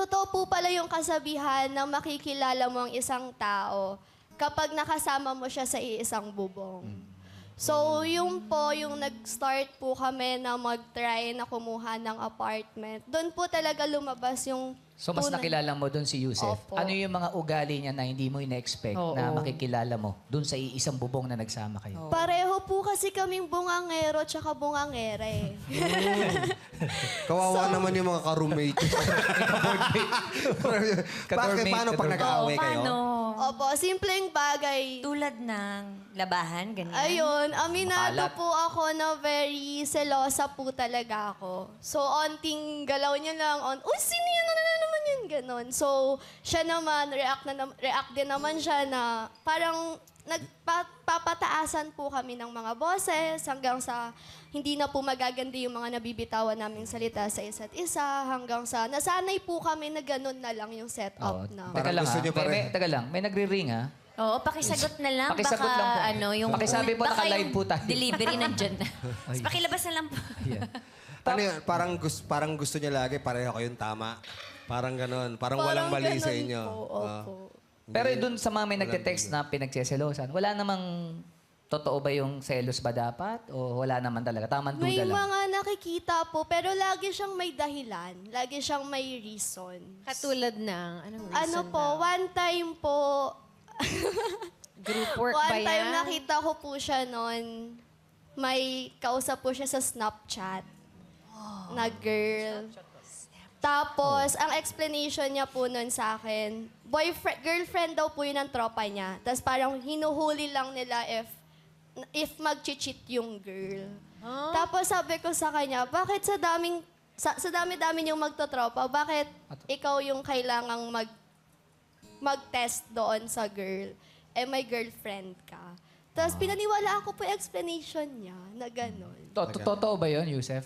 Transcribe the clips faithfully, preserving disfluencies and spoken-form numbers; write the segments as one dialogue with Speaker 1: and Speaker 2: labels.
Speaker 1: totoo po pala yung kasabihan na makikilala mo ang isang tao kapag nakasama mo siya sa iisang bubong. So, yun po, yung nag-start po kami na mag-try na kumuha ng apartment. Doon po talaga lumabas yung...
Speaker 2: So, mas
Speaker 1: tunay-
Speaker 2: nakilala mo doon si Yusef.
Speaker 1: Opo.
Speaker 2: Ano yung mga ugali niya na hindi mo ina-expect
Speaker 3: Oo.
Speaker 2: na makikilala mo doon sa iisang bubong na nagsama kayo?
Speaker 1: Pareho po kasi kaming bungangero tsaka bungangere.
Speaker 4: Kawawa naman yung mga ka-roommate. Bakit? Paano pag nag-aaway kayo?
Speaker 5: Paano?
Speaker 1: Opo, simpleng bagay.
Speaker 5: Tulad ng labahan, ganyan.
Speaker 1: Ayun, aminado
Speaker 2: Makalat.
Speaker 1: po ako na very selosa po talaga ako. So, onting galaw niya lang, on, uy, sino yun? Ano na naman yun? Ganon. So, siya naman, react, na, nam- react din naman siya na parang nagpapataasan po kami ng mga boses hanggang sa hindi na po magaganda yung mga nabibitawan naming salita sa isa't isa hanggang sa nasanay po kami na ganun na lang yung
Speaker 2: Oo.
Speaker 1: setup na.
Speaker 2: Teka
Speaker 4: Parang
Speaker 2: lang
Speaker 4: gusto
Speaker 2: ha.
Speaker 4: niyo pa
Speaker 2: May, may,
Speaker 4: rin.
Speaker 2: teka lang. May nagre-ring ha.
Speaker 5: Oo, pakisagot na lang.
Speaker 2: Pakisagot
Speaker 5: baka,
Speaker 2: lang po.
Speaker 5: ano, yung...
Speaker 2: Pakisabi po,
Speaker 5: baka
Speaker 2: naka-live
Speaker 5: yung
Speaker 2: po tayo.
Speaker 5: Delivery nandyan na. Tapos pakilabas na lang po.
Speaker 4: Ano yun? Parang, gusto, parang gusto niya lagi, pareho kayong tama. Parang ganon. Parang, walang
Speaker 1: Parang
Speaker 4: mali sa
Speaker 1: ganun
Speaker 4: inyo.
Speaker 1: po,
Speaker 4: Ah.
Speaker 1: opo.
Speaker 2: Pero doon sa mga may nagte-text na pinagseselosan, wala namang totoo ba yung selos ba dapat? O wala naman talaga? Tamang
Speaker 1: May
Speaker 2: duda lang.
Speaker 1: mga nakikita po, pero lagi siyang may dahilan. Lagi siyang may reason.
Speaker 3: Katulad ng, anong reason
Speaker 1: Ano po,
Speaker 3: daw?
Speaker 1: one time po,
Speaker 3: Group work ba
Speaker 1: one
Speaker 3: yan?
Speaker 1: time nakita ko po siya noon, may kausap po siya sa Snapchat na girl. Tapos, ang explanation niya po noon sa akin, boyfriend, girlfriend daw po yun ng tropa niya. Tapos parang hinuhuli lang nila if if mag-cheat yung girl. Tapos sabi ko sa kanya, bakit sa daming sa, sa dami-dami yung magtotropa, bakit ikaw yung kailangang mag mag-test doon sa girl? Eh, may girlfriend ka. Tapos pinaniwalaan ko po yung explanation niya na gano'n.
Speaker 2: To- to- Totoo ba yun, Yusef?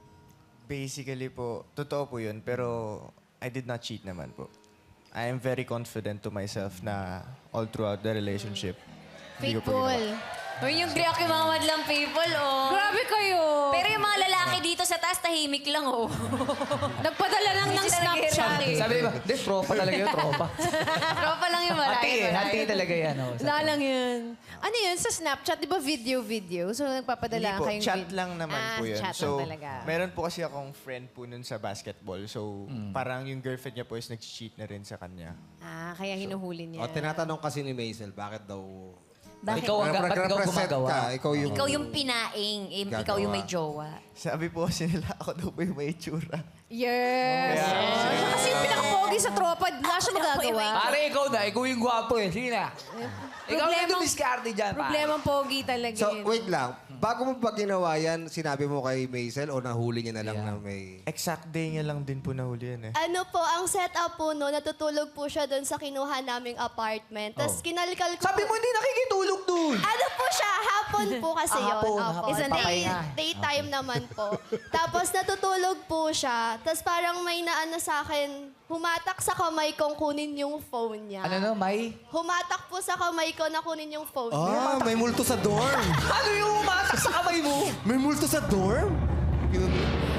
Speaker 6: Basically po, totoo po yun, pero I did not cheat naman po. I am very confident to myself na all throughout the relationship. hindi ko po
Speaker 3: Faithful.
Speaker 6: ginawa.
Speaker 5: Uy, yung react yung mga madlang people, oh.
Speaker 3: Grabe kayo.
Speaker 5: Pero yung mga lalaki dito sa taas, tahimik lang, oh.
Speaker 3: Nagpadala lang ng
Speaker 5: Hindi sila
Speaker 3: Snapchat.
Speaker 5: nag-react eh.
Speaker 2: Sabi ba, di, tropa talaga yun, tropa.
Speaker 5: Tropa lang yung malaki.
Speaker 2: Hati eh, hati talaga yan. Oh,
Speaker 3: Wala lang yun. Ano yun? Sa Snapchat, di ba video-video? So,
Speaker 6: Hindi
Speaker 3: nagpapadala
Speaker 6: po,
Speaker 3: kayong
Speaker 6: chat
Speaker 3: vid-
Speaker 6: lang naman
Speaker 3: ah,
Speaker 6: po yun.
Speaker 3: chat
Speaker 6: So,
Speaker 3: lang talaga.
Speaker 6: meron po kasi akong friend po nun sa basketball. So,
Speaker 2: Mm.
Speaker 6: parang yung girlfriend niya po is nag-cheat na rin sa kanya.
Speaker 3: Ah, kaya hinuhuli niya.
Speaker 4: O, tinatanong kasi ni Maisel, bakit daw...
Speaker 5: Bakit?
Speaker 2: Ikaw ang ba't ikaw
Speaker 4: Nagre-represent
Speaker 2: gumagawa?
Speaker 4: ka, ikaw yung...
Speaker 5: Ikaw yung pinaing, eh, ikaw yung may jowa.
Speaker 6: Sabi po kasi nila, ako daw po yung may itsura.
Speaker 3: Yes. Siya kasi yung pinakapogi sa tropa. Wala siya magagawa.
Speaker 2: Pare, ikaw na. Ikaw yung gwapo eh. Sige na. Ikaw na
Speaker 3: Problemang-
Speaker 2: yung diskarte dyan, pare.
Speaker 3: Problemang pogi talaga
Speaker 4: So,
Speaker 3: yun.
Speaker 4: wait lang. Bago mo pa ginawa yan, sinabi mo kay Maisel o nahuli niya na lang na may...
Speaker 6: Exact day niya lang din po nahuli yan eh.
Speaker 1: Ano po, ang setup po no, natutulog po siya doon sa kinuha naming apartment. Tapos kinalkal ko
Speaker 2: Sabi
Speaker 1: po-
Speaker 2: mo hindi nakikitulog doon.
Speaker 1: Ano po siya? Hapon po kasi
Speaker 2: Ah,
Speaker 1: yun.
Speaker 2: hapon,
Speaker 1: Opo.
Speaker 2: hapon.
Speaker 1: Day,
Speaker 2: Papahinga.
Speaker 1: daytime naman po. Tapos natutulog po siya. Tapos parang may naano sa akin, humatak sa kamay kong kunin yung phone niya.
Speaker 2: Ano no, May?
Speaker 1: Humatak po sa kamay ko na kunin yung phone niya.
Speaker 4: Ah, may multo sa dorm!
Speaker 2: Ano yung umatak sa kamay mo?
Speaker 4: May multo sa dorm? Yun.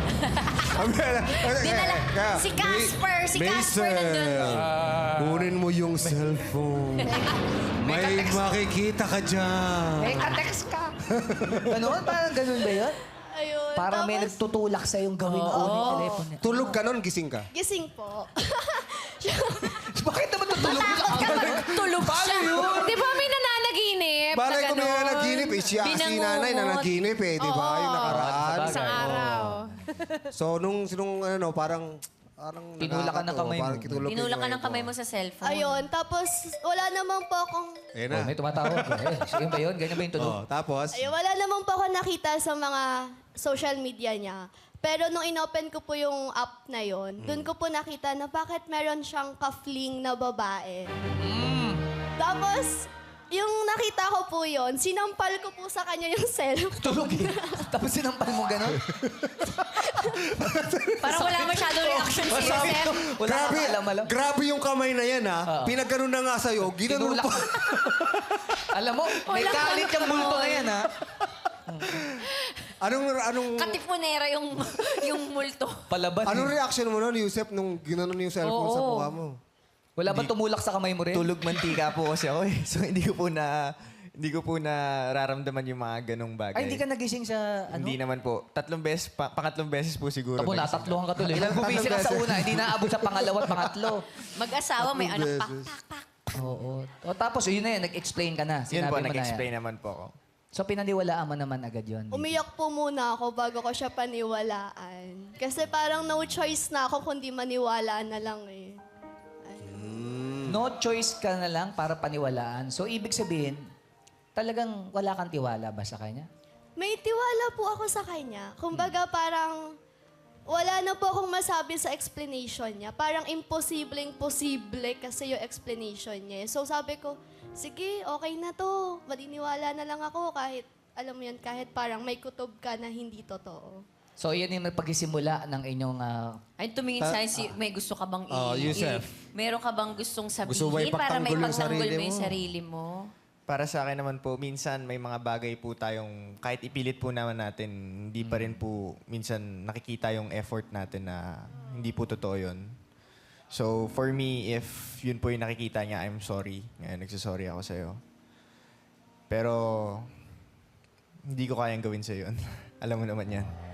Speaker 5: Dinala, si Casper, si Casper nandun.
Speaker 4: Kunin mo yung cellphone. May makikita ka dyan.
Speaker 2: Eh, ka-text ka. Ganon? Parang ganun ba yun?
Speaker 1: Ayun.
Speaker 2: Parang may
Speaker 1: Tapos,
Speaker 2: nagtutulak sa yung gawin mo ulit telepono niya.
Speaker 4: Tulog ka nun, gising ka.
Speaker 1: gising po.
Speaker 2: Bakit naman tutulog mo sa kamay?
Speaker 5: Tulog siya.
Speaker 3: Di ba may nananaginip na
Speaker 4: Balay ko may
Speaker 3: gano'n?
Speaker 4: nanaginip eh. Siya, si
Speaker 5: Binangungot.
Speaker 4: nanay nanaginip eh, di ba? Yung nakaraan.
Speaker 2: Sabagay.
Speaker 3: Isang araw.
Speaker 4: So, nung, nung ano, parang... Parang
Speaker 2: Tinulakan ng
Speaker 4: nakakato,
Speaker 2: kamay mo.
Speaker 4: parang kitulog yung
Speaker 5: Tinulak ka
Speaker 4: kamay
Speaker 5: ng kamay mo sa cellphone.
Speaker 1: Ayun. Tapos wala naman po akong...
Speaker 4: Ayun
Speaker 2: Oh,
Speaker 4: na.
Speaker 2: may tumatawag. Eh, yun ba yun? Ganyan ba yung tulog?
Speaker 4: Oh, tapos,
Speaker 1: Ayun, wala naman po ako nakita sa mga social media niya. Pero nung inopen ko po yung app na yon, doon ko po nakita na bakit meron siyang ka-fling na babae. Tapos, yung nakita ko po yon, sinampal ko po sa kanya yung cellphone.
Speaker 2: Tulog eh. Tapos sinampal mo gano'n?
Speaker 5: Parang wala masyadong reaction si
Speaker 2: Sabi
Speaker 5: Yosef.
Speaker 2: ko, wala
Speaker 4: grabe,
Speaker 2: kang alam-alam.
Speaker 4: grabe yung kamay na yan ha.
Speaker 2: Oo.
Speaker 4: Pinagganon na nga sa'yo, ginanon
Speaker 2: Tinulak.
Speaker 4: pa.
Speaker 2: Alam mo, may
Speaker 5: Wala
Speaker 2: kalit
Speaker 5: kang
Speaker 2: yung multo na yan, ha?
Speaker 4: Anong, anong,
Speaker 5: Katipunera yung, yung multo.
Speaker 2: Palaban.
Speaker 4: anong
Speaker 2: eh.
Speaker 4: reaction mo nun, Yusef, nung ginanon yung cellphone sa
Speaker 3: Oo.
Speaker 4: mukha mo?
Speaker 2: Wala ba tumulak sa kamay mo rin?
Speaker 6: Tulog mantika po kasi ako eh. So hindi ko po na hindi ko po nararamdaman yung mga ganong bagay.
Speaker 2: Ay, hindi ka nagising sa ano?
Speaker 6: Hindi naman po. Tatlong beses, pa, pangatlong beses po siguro.
Speaker 2: Tabo,
Speaker 6: nagising.
Speaker 2: natatlohan ka tuloy.
Speaker 4: Ilang
Speaker 2: Nagbumising ka sa
Speaker 4: tatlong
Speaker 2: una, hindi naabot sa pangalawa at pangatlo.
Speaker 5: Mag-asawa, may
Speaker 4: Tatlong
Speaker 5: anak pa.
Speaker 4: beses.
Speaker 2: Oo. O tapos, yun na yun, nag-explain ka na.
Speaker 6: Yun
Speaker 2: Sinabi
Speaker 6: po,
Speaker 2: mo na
Speaker 6: nag-explain
Speaker 2: yan.
Speaker 6: naman po ako.
Speaker 2: So, pinaniwalaan mo naman agad yun.
Speaker 1: Umiyak po muna ako bago ko siya paniwalaan. Kasi parang no choice na ako kundi maniwala na lang eh.
Speaker 2: No choice ka na lang para paniwalaan. So, ibig sabihin, talagang wala kang tiwala ba sa kanya?
Speaker 1: May tiwala po ako sa kanya. Kumbaga parang wala na po akong masabi sa explanation niya. Parang imposibleng posible kasi yung explanation niya. So sabi ko, sige, okay na to. Maniniwala na lang ako kahit, alam mo yan, kahit parang may kutob ka na hindi totoo.
Speaker 2: So, yan yung pagsisimula ng inyong... ah,
Speaker 5: Ay, tumingin sa akin, si, may gusto ka bang i...
Speaker 4: Oh, Yusef.
Speaker 5: i- meron ka bang gustong sabihin
Speaker 4: Gusto mo
Speaker 5: para may
Speaker 4: ipagtanggol yung
Speaker 5: pagtanggol
Speaker 4: sarili
Speaker 5: mo yung
Speaker 4: mo?
Speaker 5: sarili mo?
Speaker 6: Para sa akin naman po, minsan may mga bagay po tayong, kahit ipilit po naman natin, hindi pa rin po minsan nakikita yung effort natin na hindi po totoo yun. So, for me, if yun po yung nakikita niya, I'm sorry. Ngayon, nagsasorry ako sa'yo. Pero, hindi ko kayang gawin sa'yo yun. Alam mo naman yan.